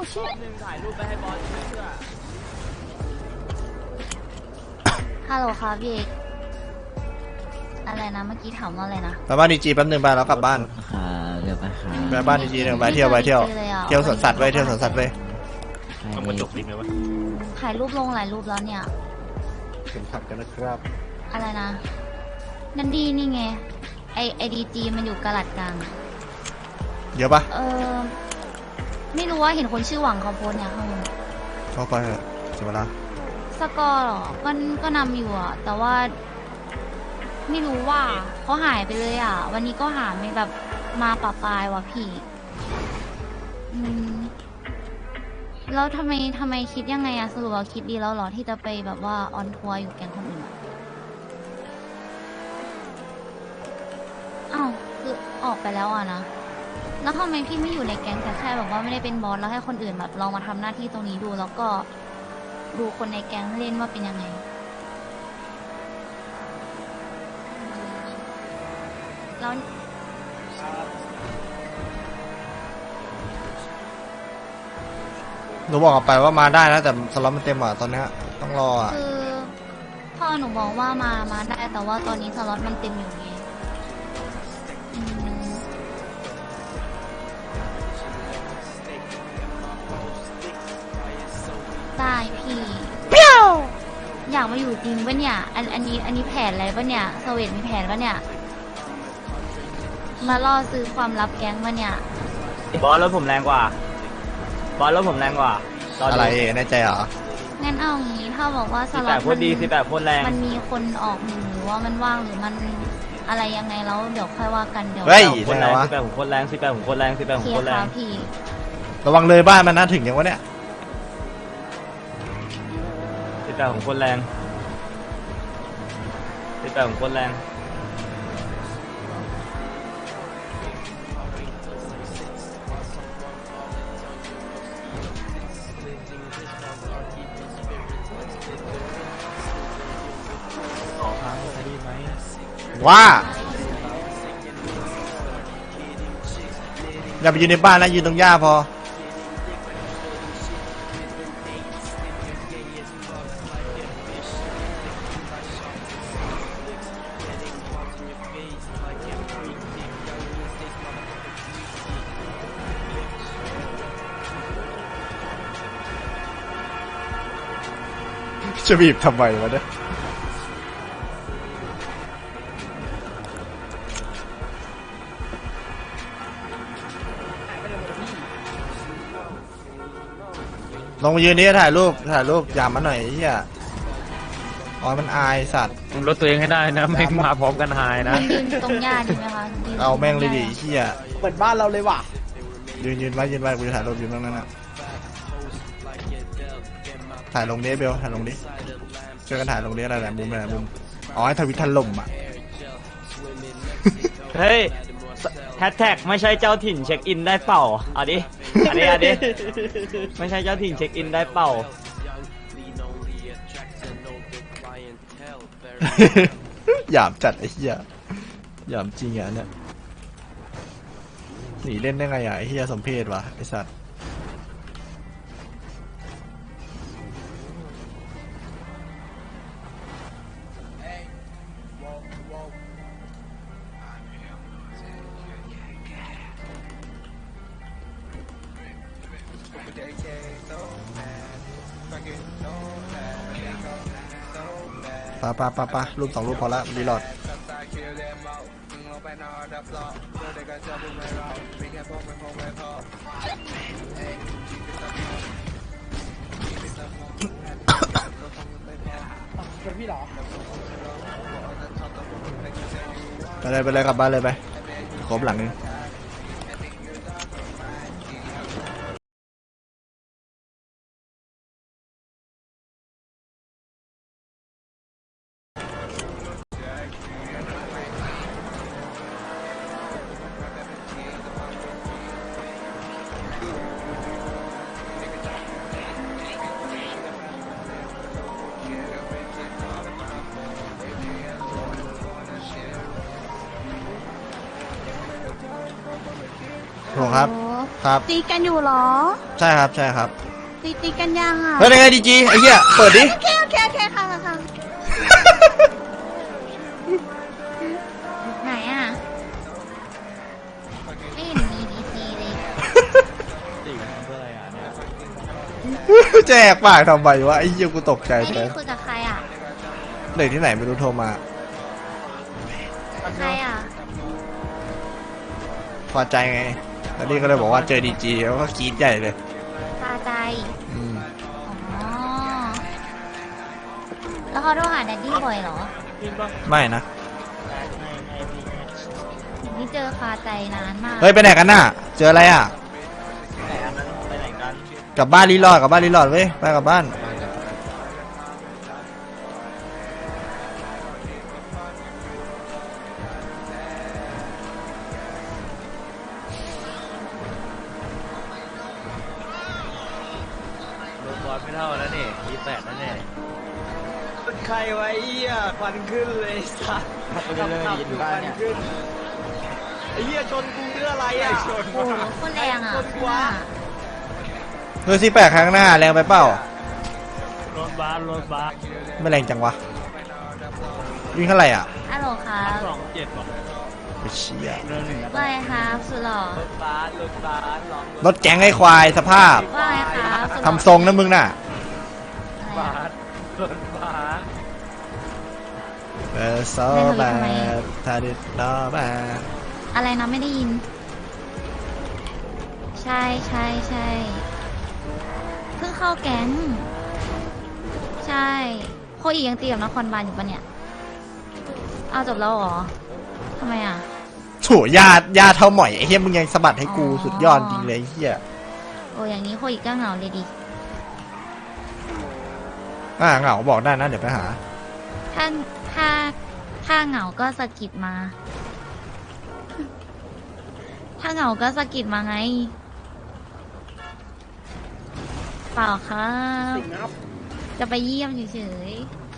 หนึ่งถ่ายรูปไปให้บอสเชื่อฮัลโหลค่ะพี่เอกอะไรนะเมื่อกี้ถามว่าอะไรนะไปบ้านดีจีแป๊บนึงไปแล้วกลับบ้านค่ะเดี๋ยวไปค่ะไปบ้านดีจีหนึ่งไปเที่ยวเที่ยวสวนสัตว์ไปเที่ยวสวนสัตว์ไปต้องมาจบลิงเลยวะถ่ายรูปลงหลายรูปแล้วเนี่ยเข็มขัดกันนะครับอะไรนะนันดีนี่ไงไอดีจีมันอยู่กะลัดกลางเยอะปะไม่รู้ว่าเห็นคนชื่อหวังเขาโพสเนี่ยข้างบนเข้าไปเถอะเสียเวลาสกอร์เหรอก็นำอยู่อะแต่ว่า ไม่รู้ว่าเขาหายไปเลยอ่ะ วันนี้ก็หาไม่แบบมาปะปายว่ะพี่แล้วทำไมคิดยังไงอะสรุปว่าคิดดีแล้วเหรอที่จะไปแบบว่าออนทัวร์อยู่แก๊งคนอื่นอะอ้าวคือออกไปแล้วอะนะแล้วทำไมพี่ไม่อยู่ในแก๊งแต่แค่แบบว่าไม่ได้เป็นบอสแล้วให้คนอื่นแบบลองมาทำหน้าที่ตรงนี้ดู แล้วก็ดูคนในแก๊งเล่นว่าเป็นยังไงแล้วหนูบอกออกไปว่ามาได้นะแต่สล็อตมันเต็มอ่ะตอนเนี้ยต้องรออ่ะคือพ่อหนูบอกว่ามาได้แต่ว่าตอนนี้สล็อตมันเต็มอยู่ไงอืมได้พี่เปรี้ยวอยากมาอยู่จริงปะเนี่ยอันนี้แผนอะไรปะเนี่ยสวีทมีแผนปะเนี่ยมาล่อซื้อความลับแก๊งปะเนี่ยบอสรถผมแรงกว่าบอสรถผมแรงกว่าอะไรแน่ใจเหรองั้นเอางี้ถ้าบอกว่าสสิบล็แปอดตโคตรดี18โคตรแรงมันมีคนออกหรือว่ามันว่างหรือมันอะไรยังไงแล้วเดี๋ยวค่อยว่ากันเดี๋ยวเฮ้ยโคตรแรง18ผมโคตรแรง18ผมโคตรแรง18ผมเคลีโคยตรร์แรค่ะงพี่ระวังเลยบ้านมันน่าถึงยังวะเนี่ย 18ผมโคตรแรง18ผมโคตรแรงขอพังคดีไหมว่าอย่าไปยืนในบ้านนะยืนตรงหญ้าพอจะบีบทำไมวะเนี่ยลงมายืนนี้ถ่ายรูปอย่ามาหน่อยไอ้เฮียอ๋อมันอายสัตว์ลดตัวเองให้ได้นะไม่มาพร้อมกันหายนะมันยืนตรงหญ้าดีไหมคะยืนเอาแม่งเลยดิไอ้เฮียเหมือนบ้านเราเลยว่ะยืนไว้กูจะถ่ายรูปยืนตรงนั้นน่ะถ่ายลงนี้เบลถ่ายลงนี้ช่วยกันถ่ายลงนี้อะไรแหละมุมอ๋อให้ทวิตถล่มอ่ะเฮ้ยแฮชแท็กไม่ใช่เจ้าถิ่นเช็คอินได้เปล่าเอาดิอันนี้ไม่ใช่เจ้าถิ่นเช็คอินได้เปล่าหยามจัดไอ้เหี้ยหยามจริงอ่ะเนี่ยหนีเล่นได้ไงอ่ะไอ้เหี้ยสมเพศวะไอ้สัตว์ปะรูป2 รูปพอละรีโหลดเป็นพี่เหรอไปเลยกลับบ้านเลยไปครบหลังนึงโหครับโอ้ครับตีกันอยู่เหรอใช่ครับใช่ครับตีกันยังอ่ะเฮ้ยยังไงดีจีไอ้เหี้ยเปิดดิโอเคค่ะค่ะไหนอ่ะ ไม่เห็นมีดีซีเลยตีกันเพื่ออะไรอ่ะเนี่ยแจกปากทำไมวะไอ้เหี้ยกูตกใจไม่เลได้ยคุยกับใครอ่ะเด็กที่ไหนไม่รู้โทรมาใครอ่ะพอใจไงแล้วนี่ก็เลยบอกว่าเจอดีจีแล้วก็กรี๊ดใหญ่เลยพาใจอืมอ๋อ แล้วเขาโทรหาแดดดี้บ่อยเหรอไม่นะนี่เจอคาใจนานมากเฮ้ยไปไหนกันน่ะ เจออะไรอ่ะไปไหนกันกลับบ้านรีลอดกลับบ้านรีลอดเว้ยไปกลับบ้านรถบอลไม่เท่าแล้วนี่มีแปดแล้วเนี่ยใครไว้เหี้ยควันขึ้นเลยสัสขับอยู่ควันขึ้นไอ้เหี้ยชนกูเรื่องอะไรอ่ะโอ้โหโคนแรงอ่ะคนวะเฮ้ยที่แปลกข้างหน้าแรงไปเปล่ารถบัสรถบัสไม่แรงจังวะวิ่งเท่าไหร่อ่ะฮัลโหลครับ 27ว่ะไอ้เชี่ยเรื่องหนึ่งว่าไงครับสุดหล่อรถบัสลองรถแก๊งไอ้ควายสภาพว่าไงครับสุดหล่อทำทรงนะมึงน่ะอะไรบัอะสรถบัสเออโซแบดทาดิโนแบดอะไรนะไม่ได้ยิน ใช่เพิ่งเข้าแก๊ง ใช่โคอียังตีกับนครบาลอยู่ปะเนี่ย เอาจบแล้วเหรอทำไมอ่ะโถญาติเท่าหมอยไอ้เหี้ยมึงยังสะบัดให้กูสุดยอดจริงเลยไอ้เหี้ยโอ้อย่างนี้โคอีก็เหงาเลยดิเหงาบอกได้นะเดี๋ยวไปหาถ้าถ้าถ้าเหงาก็สะกิดมา ถ้าเหงาก็สะกิดมาไง เปล่าครับ จะไปเยี่ยมเฉยๆ